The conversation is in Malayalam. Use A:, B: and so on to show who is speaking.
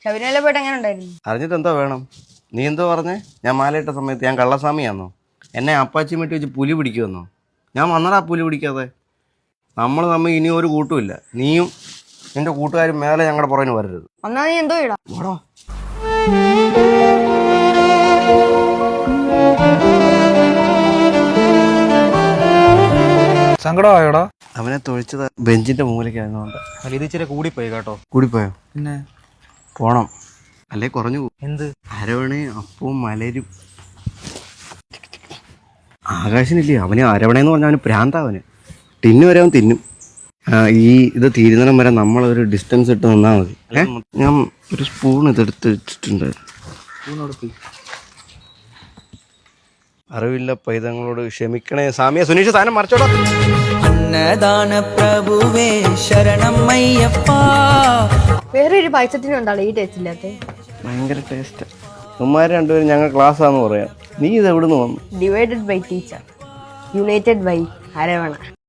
A: ശബരിമല പോയിട്ട് എങ്ങനെ ഉണ്ടായിരുന്നു?
B: അറിഞ്ഞിട്ട് എന്തോ വേണം? നീ എന്തോ പറഞ്ഞേ? ഞാൻ മാലയിട്ട സമയത്ത് ഞാൻ കള്ളസ്വാമിയാന്നോ? എന്നെ അപ്പാച്ചി മെട്ടി വെച്ച് പുലി പിടിക്കുമെന്നോ? ഞാൻ വന്നടാ പുലി പിടിക്കാതെ. നമ്മൾ തമ്മിൽ ഇനി ഒരു കൂട്ടുമില്ല. നീയും നിന്റെ കൂട്ടുകാരും മേലെ ഞങ്ങളുടെ പുറകിന് വരരുത്.
A: ഒന്നാ നീ എന്തോ ഇടാ.
B: ഓടോ.
C: സങ്കടമായോടാ?
B: അവനെ തൊഴിച്ചത് ബെഞ്ചിന്റെ മൂലയ്ക്കായിരുന്നോണ്ട്.
C: അല്ല ഇത് ഇച്ചിരി കൂടിപ്പോയി കേട്ടോ.
B: കൂടിപ്പോയോ?
C: പിന്നെ
B: പോണം, അല്ലേ കുറഞ്ഞു പോകും.
C: എന്ത്?
B: അരവണയും അപ്പവും മലരും. ആകാശനില്ലേ, അവന് അരവണയെന്ന് പറഞ്ഞാൽ അവന് പ്രാന്താവന്. ടിന്നു വരെ അവൻ തിന്നും. ഈ ഇത് തീരുന്നിടം വരെ നമ്മളൊരു ഡിസ്റ്റൻസ് ഇട്ട് നിന്നാൽ മതി. ഞാൻ ഒരു സ്പൂൺ ഇതെടുത്ത് വെച്ചിട്ടുണ്ട്. അറിവില്ല പൈതങ്ങളോട് ക്ഷമിക്കണേ സാമിയ. സുനീഷ് സാധനം മറിച്ചോടാ.
D: അന്നദാന പ്രഭുവേ ശരണം അയ്യപ്പ.
A: വേറൊരു പായസത്തിന് ഉണ്ടാവും ഈ ടേസ്റ്റ് ഇല്ലാത്ത.
B: ഭയങ്കര ടേസ്റ്റ്. ഉമ്മാർ രണ്ടുപേരും ഞങ്ങൾ ക്ലാസ്സാന്ന് പറയാം. നീ ഇത് എവിടുന്ന് വന്നു?
A: Divided by teacher, united by Aravana.